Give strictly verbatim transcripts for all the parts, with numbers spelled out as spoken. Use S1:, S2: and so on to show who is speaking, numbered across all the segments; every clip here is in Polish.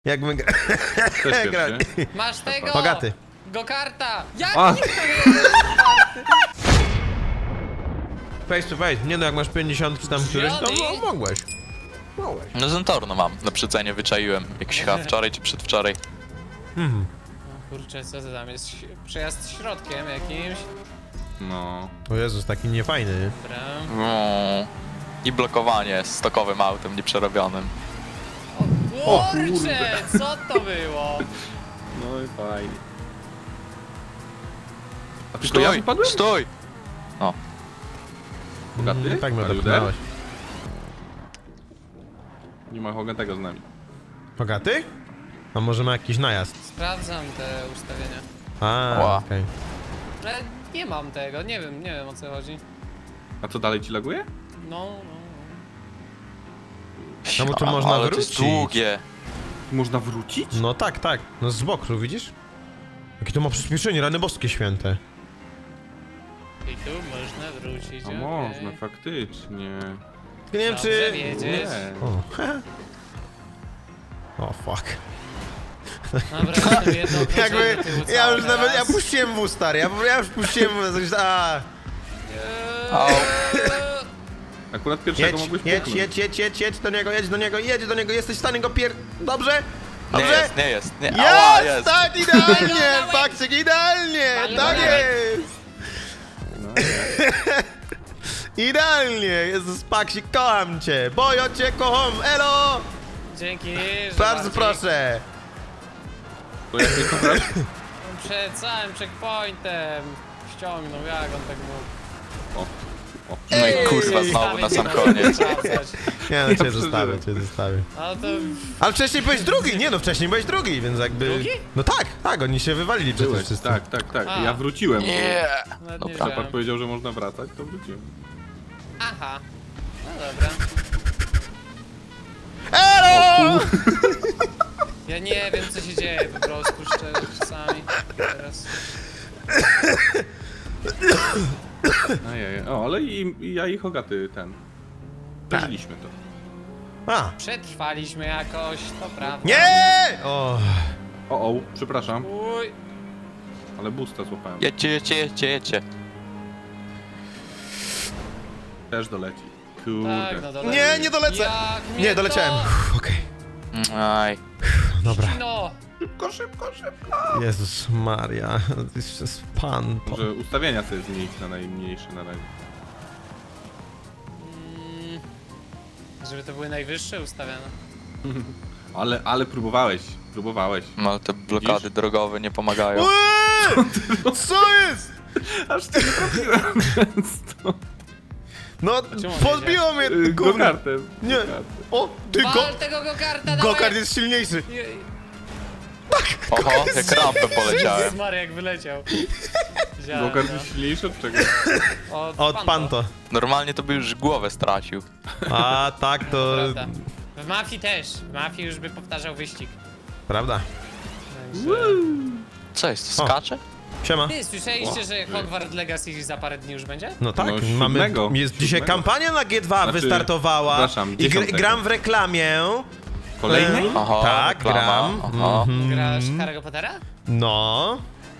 S1: Jak my gra... grali.
S2: Masz tego!
S1: Bogaty.
S2: Go-karta! Jak
S3: A.
S2: nikt nie wie?
S1: Face to face. Nie no, jak masz pięćdziesiąt czy tam któryś, to
S2: Johnny?
S1: no, mogłeś. Mogłeś.
S4: No Zentorno mam, na przecenie wyczaiłem. Jakiś chyba wczoraj czy przedwczoraj.
S1: Mhm.
S2: Kurczę, co to tam jest? Przejazd środkiem jakimś.
S3: No.
S1: O Jezus, taki niefajny, nie?
S2: Dobra.
S4: No. I blokowanie stokowym autem nieprzerobionym.
S2: O kurczę, co to było?
S3: No i fajnie. A tylko ja
S4: Stój!
S3: wypadłem?
S4: Stój!
S3: Bogaty?
S1: Mm, tak mnie
S3: Are you
S1: odepchnąłeś.
S3: Nie ma Hogatego z nami.
S1: Bogaty? A może ma jakiś najazd?
S2: Sprawdzam te ustawienia.
S1: A,
S4: Ła.
S1: okej.
S2: Ale nie mam tego, nie wiem, nie wiem o co chodzi.
S3: A co dalej ci laguje?
S2: No, no.
S1: No bo tu
S4: A,
S1: można
S4: ale to jest
S1: wrócić.
S4: długie.
S3: Można wrócić?
S1: No tak, tak. No z boku, widzisz? Jakie to ma przyspieszenie, rany boskie święte.
S2: I tu można wrócić.
S3: A
S2: okej.
S3: można, faktycznie.
S1: Nie wiem
S2: Dobrze
S1: czy...
S2: wiedzieć.
S3: Nie.
S1: O, o fuck.
S2: Dobra, jestem jedno
S1: Jakby,
S2: do tyłu
S1: ja
S2: cały
S1: już nawet, ja
S2: teraz.
S1: puściłem w stary, ja, ja już puściłem w a
S4: Au.
S2: Eee,
S3: Akurat pierwszego
S1: jedź,
S3: mogłeś
S1: jedź,
S3: puknąć.
S1: jedź, jedź, jedź, jedź do niego, jedź do niego, jedź do niego, jesteś w stanie go pier... Dobrze?
S4: Nie
S1: Dobrze?
S4: jest, nie jest. Nie. Ała,
S1: Jest,
S4: jest.
S1: tak, idealnie, Bakczyk, idealnie,
S2: Ale
S1: tak
S2: dobra.
S1: jest,
S3: No, nie.
S1: idealnie, Jezus, Paksik, kocham cię, bojo cię, kocham, elo,
S2: Dzięki, że
S1: bardzo
S2: bardziej-
S1: proszę.
S3: To jak mnie kochasz?
S2: Przed całym checkpointem ściągnął, jak on tak mógł.
S3: O. O.
S4: No i kurwa, znowu na sam koniec.
S1: Nie no, cię
S3: przeżyłem.
S1: zostawię, cię zostawię.
S2: No to
S1: Ale wcześniej byłeś drugi, nie no, wcześniej byłeś drugi, więc jakby...
S2: Drugi?
S1: No tak, tak, oni się wywalili przecież
S3: Byłeś,
S1: wszyscy.
S3: tak, tak, tak.
S2: A.
S3: Ja wróciłem.
S4: Nie.
S2: nawet nie
S4: Dobra.
S3: Szafak
S2: wiedziałem.
S3: powiedział, że można wracać, to wróciłem.
S2: Aha. No dobra.
S1: Elo!
S2: Ja nie wiem co się dzieje po prostu szczerze czasami. Teraz.
S3: Ajaj. O, ale i, i ja i Hogaty ten. Przeżyliśmy to.
S1: A,
S2: Przetrwaliśmy jakoś, to prawda.
S1: nie! O,
S3: O, o, przepraszam,
S2: Uj.
S3: ale busta złapałem.
S4: Jedźcie, jedźcie, jedźcie, jedźcie.
S3: Też doleci. Kurde.
S2: Tak, no doleci.
S1: nie, nie dolecę.
S2: Jak mnie
S1: Nie, doleciałem.
S2: to-
S1: Uff, Okej,
S4: Aj.
S1: dobra.
S2: No.
S3: Szybko, szybko, szybko.
S1: Jezus Maria, to jest jest pan. Po...
S3: Może ustawienia sobie zmienić na najmniejsze na razie.
S2: Mm, żeby to były najwyższe ustawione.
S3: Ale, ale próbowałeś, próbowałeś.
S4: No ale te blokady
S3: Widzisz?
S4: drogowe nie pomagają.
S1: Eee! Co jest?
S3: Aż ty nie trafiłem często.
S1: No,
S2: czemu on
S1: podbiło mnie
S3: Yy,
S1: gówno.
S3: Go-kartem.
S1: Nie.
S3: Go-kartem.
S1: O, ty go...
S2: Wal tego go-karta,
S1: Go-kart jest silniejszy.
S4: Oho, jak rampę poleciałem.
S2: Smar jak wyleciał. Widziałem,
S3: Go-kart
S2: no.
S3: jest silniejszy od czego?
S2: Od,
S1: Od
S2: Panto.
S1: Panto.
S4: Normalnie to by już głowę stracił.
S1: A tak, to...
S2: Prawda. W mafii też. W mafii już by powtarzał wyścig.
S1: Prawda.
S2: Także...
S4: Co jest,
S1: O.
S4: skacze?
S1: Siema.
S2: Ty, słyszeliście, że Hogwarts Legacy za parę dni już będzie?
S1: No tak,
S3: No,
S1: mamy...
S3: siódmego.
S1: Jest dzisiaj
S3: Siódmego.
S1: kampania na G dwa
S3: Znaczy,
S1: wystartowała.
S3: przepraszam,
S1: I gr
S3: dziesiątego.
S1: gram w reklamie.
S3: Kolejny?
S1: E,
S4: Aha,
S1: tak,
S4: reklama,
S1: gram.
S4: aha.
S1: Mhm.
S2: Grasz Harry'ego Pottera?
S1: No.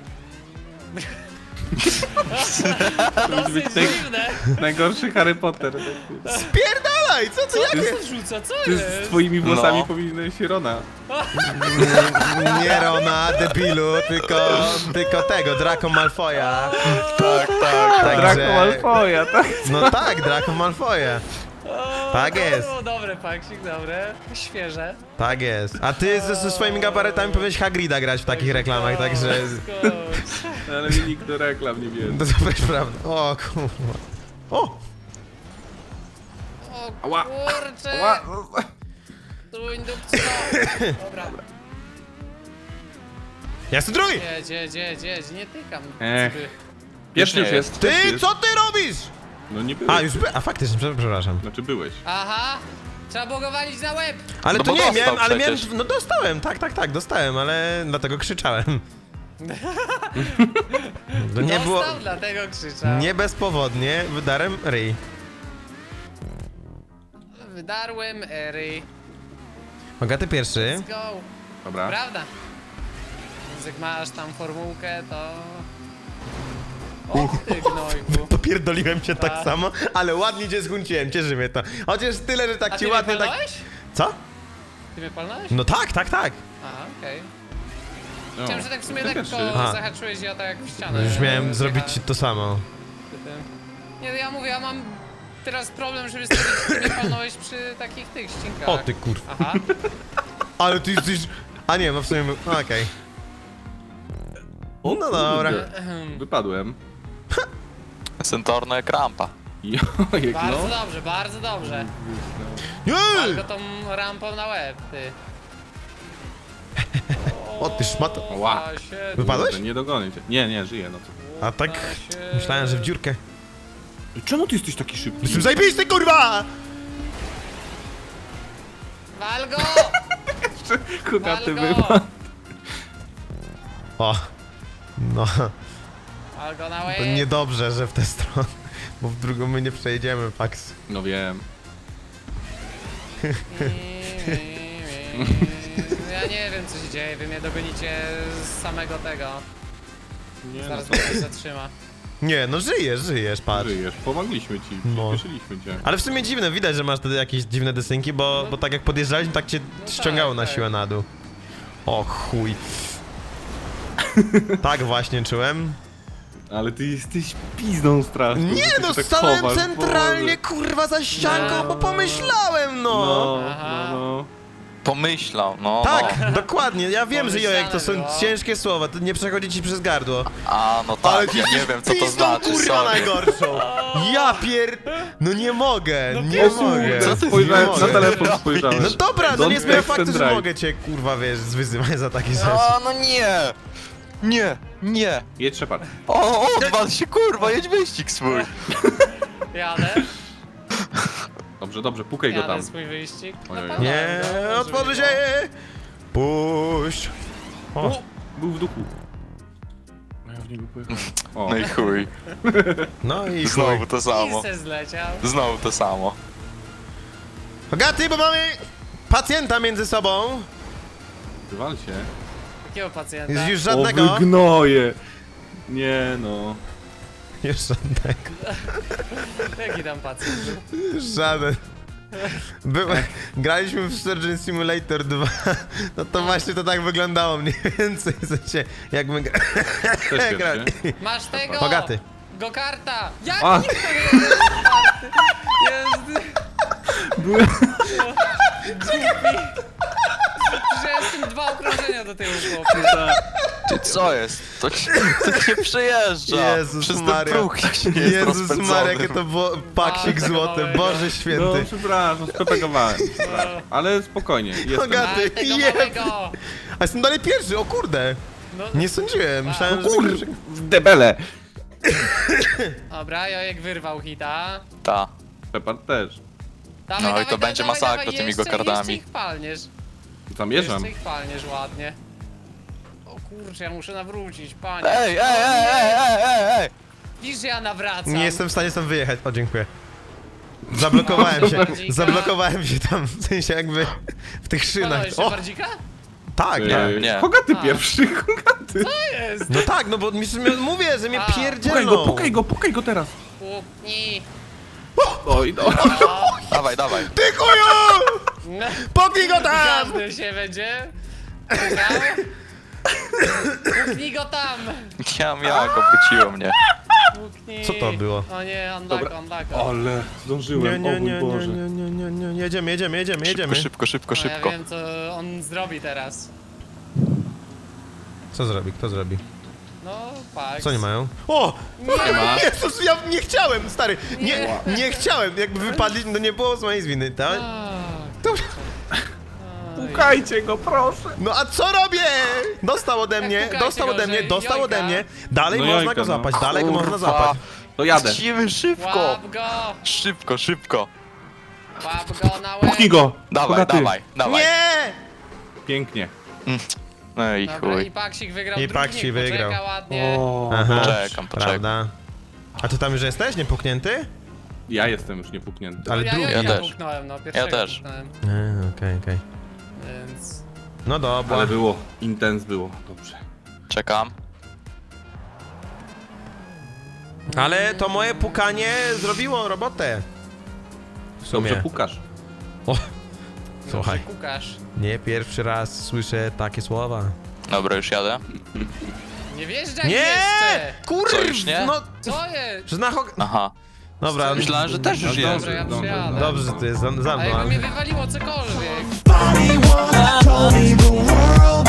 S2: Dosyć
S3: być tej-
S2: dziwne.
S3: Najgorszy Harry Potter.
S1: Spierdalaj, co ty, jakie...
S2: Co rzuca, co
S3: Ty z
S2: jest?
S3: twoimi włosami
S4: No.
S3: powinieneś się Rona.
S1: Nie Rona, debilu, tylko, tylko tego, Draco Malfoya.
S4: Tak, tak.
S1: Także-
S3: Draco Malfoya, tak?
S1: No tak, Draco Malfoya.
S2: O,
S1: Tak
S2: to
S1: jest.
S2: było dobre, Paksik, dobre. Świeże.
S1: Tak jest. A ty ze, ze swoimi gabaretami powinieneś Hagrida grać w takich reklamach, także...
S2: Skocz.
S3: Ale mi nikt do reklam nie bierze.
S1: To jest prawda. O kurwa. O!
S2: O
S3: Ała.
S2: kurczę.
S3: Ła.
S2: Tu indukcja. Dobra.
S1: Ja jestem drugi!
S2: Jedź, jedź, jedź, jedź, nie tykam.
S3: Ech.
S2: Cyby.
S3: Pierwszy już
S4: nie
S3: jest.
S1: Ty,
S3: pierwszy jest.
S1: co ty robisz?
S3: No nie byłeś.
S1: A, już by... A faktycznie, prze- przepraszam.
S3: Znaczy byłeś.
S2: Aha. Trzeba było go walić na łeb.
S1: Ale
S4: No
S1: to
S4: bo
S1: nie,
S4: dostał
S1: miałem, ale miałem...
S4: przecież.
S1: No dostałem, tak, tak, tak, dostałem, ale dlatego krzyczałem. To nie było...
S2: Dostał, dlatego krzyczał.
S1: Nie bezpowodnie wydarłem ryj.
S2: Wydarłem Ery.
S1: Bogaty pierwszy.
S2: Let's go.
S3: Dobra.
S2: Prawda? Więc jak masz tam formułkę, to... O ty gnojku.
S1: Popierdoliłem cię tak
S2: A.
S1: samo, ale ładnie cię zgunciłem, cieszy mnie to. Chociaż tyle, że tak
S2: A
S1: ci
S2: ty mnie
S1: ładnie tak...
S2: palnąłeś?
S1: Co?
S2: Ty mnie palnąłeś?
S1: No tak, tak, tak.
S2: Aha, okej.
S3: No,
S2: Chciałem, że tak w sumie
S3: ty
S2: lekko
S3: pierwszy.
S1: A.
S2: zahaczyłeś, ja tak jak w
S1: No
S2: ścianę.
S1: już miałem
S2: e,
S1: zrobić ci
S2: wjechałem
S1: to samo.
S2: przy tym. Nie, no ja mówię, ja mam teraz problem, żeby stwierdzić, czy mnie palnąłeś przy takich tych ścinkach.
S1: O ty kur...
S2: Aha.
S1: Ale ty jesteś... A nie, no w sumie... no okej.
S3: O,
S1: No dobra.
S3: kurde. Wypadłem.
S4: Sentorno jak rampa.
S3: Jojek,
S2: Bardzo
S3: no.
S2: dobrze, bardzo dobrze.
S1: Nie!
S2: Tylko tą rampą na łeb, ty.
S1: O, ty szmato.
S3: Ła.
S2: Się,
S1: Wypadłeś?
S3: Kurde, nie dogonię cię. Nie, nie, żyję, no to.
S1: A tak...
S2: się.
S1: Myślałem, że w dziurkę.
S3: Czemu ty jesteś taki szybki?
S1: Jestem zajebisty, kurwa!
S2: Wal go!
S3: Kogaty
S2: Wal go!
S3: wypadł.
S1: O. No,
S2: Wal go na łeb!
S1: to niedobrze, że w tę stronę. Bo w drugą my nie przejedziemy, Pax.
S3: No wiem.
S2: Ja nie wiem, co się dzieje, wy mnie dogonicie z samego tego.
S3: Nie, no
S2: Zaraz
S3: co
S2: mnie coś zatrzyma.
S1: Nie, no żyjesz, żyjesz, patrz.
S3: żyjesz. Pomogliśmy ci,
S1: No.
S3: przyspieszyliśmy cię.
S1: Ale w sumie dziwne, widać, że masz wtedy jakieś dziwne desynki, bo, bo tak jak podjeżdżaliśmy, tak cię ściągało na
S2: tak.
S1: siłę na dół. O chuj. Tak właśnie czułem.
S3: Ale ty jesteś pizdą straszną. że
S1: Nie
S3: ty
S1: no,
S3: się tak
S1: stanąłem
S3: chowasz,
S1: centralnie,
S3: Boże.
S1: kurwa, za ścianką,
S2: No.
S1: bo pomyślałem, no.
S3: No,
S2: Aha.
S3: no, no.
S4: Pomyślał, no,
S1: Tak,
S4: no.
S1: dokładnie, ja wiem, że Jojek, to są
S2: Pomyślane było.
S1: ciężkie słowa, to nie przechodzi ci przez gardło.
S4: A, no tak, ja nie wiem co to
S1: pizdą,
S4: znaczy,
S1: kurwa,
S4: sorry.
S1: najgorszą. Ja pier... No nie mogę, nie
S2: wiesz,
S1: mogę.
S4: co ty
S3: Spojrzałem,
S1: Nie
S3: na
S1: mogę.
S3: telefon spojrzałem.
S1: No dobra, no
S3: Don't
S1: nie zmienia
S3: text
S1: faktu,
S3: and
S1: że
S3: drive.
S1: mogę cię, kurwa, wiesz, zwyzywać za takie rzeczy.
S4: A, no nie! Nie, nie!
S3: Jedź Shepard.
S4: O, odwal się, kurwa, jedź wyścig swój!
S2: Jadę,
S3: Dobrze, dobrze, pukaj go
S2: jadę
S3: tam.
S2: swój wyścig.
S3: Ojej.
S2: Napalałem
S1: Nie,
S2: go, może
S1: otworzy
S2: mi
S1: się! Puść! O,
S3: O, był w duchu. No ja w niego pojechałem. O,
S4: No i chuj.
S1: no i chuj.
S4: Znowu to
S2: go.
S4: samo.
S2: I se zleciał.
S4: Znowu to samo.
S1: Bogaty, bo mamy pacjenta między sobą.
S3: wywal się.
S2: Jakiego pacjenta?
S1: Jest już
S3: O,
S1: żadnego.
S3: wy gnoje. Nie no.
S1: Już żadnego.
S2: Jaki tam pacjent był?
S1: Już żaden. Były, graliśmy w Surgeon Simulator dwa, no to właśnie to tak wyglądało mniej więcej, w sensie, jak my gra...
S3: Też
S1: grali.
S3: pierwszy.
S2: Masz tego!
S1: Bogaty.
S2: Go-karta! Jak
S3: A.
S2: nie to jest go-karty? Jest...
S3: Byłem...
S2: Że jestem dwa okrążenia do tyłu, chłopie.
S4: Ty co jest? To ci, to ci nie przejeżdża!
S1: Jezus
S4: Przez ten
S1: Maria.
S4: próg się nie jest
S1: Jezus
S4: rozpędzony.
S1: Maria, jakie to było paksik
S2: A,
S1: złoty,
S2: małego.
S1: Boże
S3: No
S1: święty.
S3: przepraszam, spepegowałem. przepraszam. Ale spokojnie, jestem.
S1: Bogaty.
S2: Ale tego
S1: Jeb.
S2: małego!
S1: A jestem dalej pierwszy, o kurde.
S2: No,
S1: Nie sądziłem, myślałem, że...
S3: Kur... w debele.
S2: dobra, Jojek wyrwał hita.
S4: Ta.
S3: Shepard też.
S2: Dawaj,
S4: No i
S2: dawaj,
S4: to
S2: dawaj,
S4: będzie
S2: dawaj,
S4: masakra
S2: dawaj,
S4: tymi
S2: jeszcze,
S4: go-kardami.
S2: Jeszcze ich palniesz.
S3: Zamierzam.
S2: Jeszcze ich palniesz ładnie. O kurczę, ja muszę nawrócić, panie.
S4: Ej, ej, ej, ej, ej, ej, ej!
S2: Widzisz, że ja nawracam.
S1: Nie jestem w stanie stąd wyjechać, o dziękuję. Zablokowałem się, zablokowałem się tam, w sensie jakby w tych szynach.
S2: Palnąłeś jeszcze
S1: O,
S2: bardzika?
S1: tak,
S4: Nie,
S3: Ej,
S4: nie.
S3: Kogaty
S2: A.
S3: pierwszy, kogaty.
S2: To jest!
S1: no tak, no bo mi- mówię, że mnie
S2: A.
S3: Pukaj
S1: pierdzielną.
S3: go, pukaj go, pukaj go teraz.
S2: Puknij.
S3: Oj, no.
S2: O,
S4: Dawaj, dawaj.
S1: Ty chuju!
S2: no.
S1: Poknij go tam!
S2: Każdy się będzie pukał. Puknij go tam!
S4: Ja jak obróciło mnie.
S2: Puknij.
S1: Co to było?
S2: O nie, unlock,
S3: Dobra.
S2: unlock.
S3: Ale
S1: Nie,
S3: zdążyłem,
S1: nie,
S3: o
S1: nie,
S3: mój
S1: nie,
S3: Boże.
S1: nie, nie, nie, nie, jedziemy, jedziemy, jedziemy, jedziemy.
S4: Szybko, szybko, szybko,
S2: No,
S4: szybko.
S2: ja wiem, co on zrobi teraz.
S1: Co zrobi, kto zrobi?
S2: No, Pax.
S1: Co oni mają? O!
S2: Nie
S3: ma.
S1: Jezus, ja nie chciałem, stary! Nie,
S2: Nie.
S1: nie chciałem, jakby wypadli, no nie było z mojej winy, tak?
S2: Tak.
S1: To-
S2: Oj.
S3: Pukajcie go, proszę.
S1: No a co robię? Dostał ode mnie,
S2: pukajcie
S1: dostał
S2: go,
S1: ode mnie,
S2: że
S1: dostał
S2: jojka.
S1: ode mnie. Dalej
S3: No
S1: można
S3: jojka,
S1: go
S3: no.
S1: złapać, dalej go można
S4: Kurwa.
S1: złapać.
S3: To jadę.
S4: Lecimy szybko!
S2: Łap go!
S4: Szybko, szybko.
S2: Łap go na łeb!
S3: Puknij go.
S4: Dawaj,
S3: Kogaty.
S4: dawaj, dawaj.
S1: Nie!
S3: Pięknie.
S4: No i
S2: Dobra,
S4: chuj.
S2: i Paksik wygrał
S1: I
S2: drugi,
S1: Paksik
S2: niech poczeka
S1: wygrał.
S2: ładnie.
S3: O,
S1: Aha,
S4: Poczekam, poczekam.
S1: prawda. A ty tam już jesteś, niepuknięty?
S3: ja jestem już niepuknięty.
S1: Ale
S2: ja
S1: drugi.
S2: Jojka
S4: Ja też.
S2: puknąłem, no, pierwszego
S4: Ja też.
S2: puknąłem,
S1: Eee, okej, okej.
S2: więc...
S1: No dobra.
S3: Ale było, intens było, dobrze.
S4: Czekam.
S1: Ale to moje pukanie zrobiło robotę. W sumie.
S3: Dobrze pukasz.
S1: O, słuchaj,
S2: Dobrze kukasz.
S1: nie pierwszy raz słyszę takie słowa.
S4: Dobra, już jadę.
S2: Nie wjeżdżaj
S1: Nie!
S2: jeszcze!
S1: Kurwa!
S4: Co, już nie?
S1: No,
S2: Co jest?
S1: że na hok...
S4: Dobra,
S1: Dobra,
S4: myślałem, że też już
S3: No
S4: jest.
S2: Dobra, ja
S3: Dobrze,
S2: przyjadę.
S1: dobrze, że ty jest za, za
S2: A
S1: mną,
S2: jakby
S1: ale...
S2: mnie wywaliło cokolwiek.
S5: Body wanna tell me the world